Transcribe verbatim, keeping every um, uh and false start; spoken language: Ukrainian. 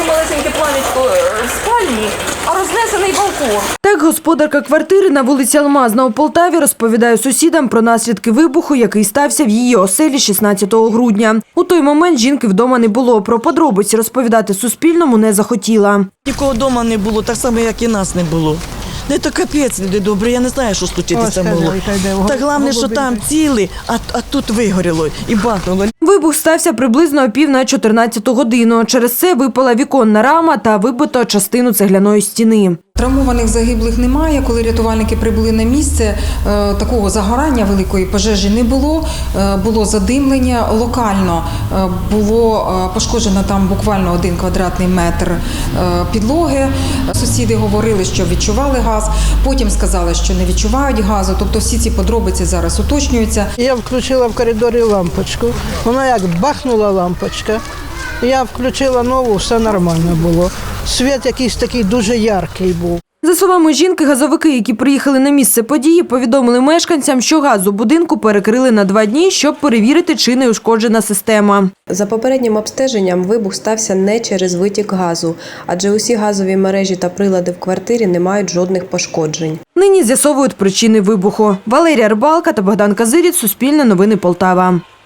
таке малесеньке плам'ячко в спальні, а рознесений балкон. Так господарка квартири на вулиці Алмазна у Полтаві розповідає сусідам про наслідки вибуху, який стався в її оселі шістнадцятого грудня. У той момент жінки вдома не було. Про подробиці розповідати Суспільному не захотіла. Нікого вдома не було, так само, як і нас не було. Не то капець, люди добрі, я не знаю, що случитися могло. Та головне, що там ціли, а, а тут вигоріло і бахнуло. Вибух стався приблизно о пів на чотирнадцяту годину. Через це випала віконна рама та вибито частину цегляної стіни. Травмованих, загиблих немає. Коли рятувальники прибули на місце, такого загорання великої пожежі не було. Було задимлення. Локально було пошкоджено там буквально один квадратний метр підлоги. Сусіди говорили, що відчували газ, потім сказали, що не відчувають газу. Тобто всі ці подробиці зараз уточнюються. Я включила в коридорі лампочку. Вона як бахнула лампочка. Я включила нову, все нормально було. Світ якийсь такий дуже яркий був. За словами жінки, газовики, які приїхали на місце події, повідомили мешканцям, що газ у будинку перекрили на два дні, щоб перевірити, чи не ушкоджена система. За попереднім обстеженням вибух стався не через витік газу, адже усі газові мережі та прилади в квартирі не мають жодних пошкоджень. Нині з'ясовують причини вибуху. Валерія Рибалка та Богдан Казиріць, Суспільне новини Полтава.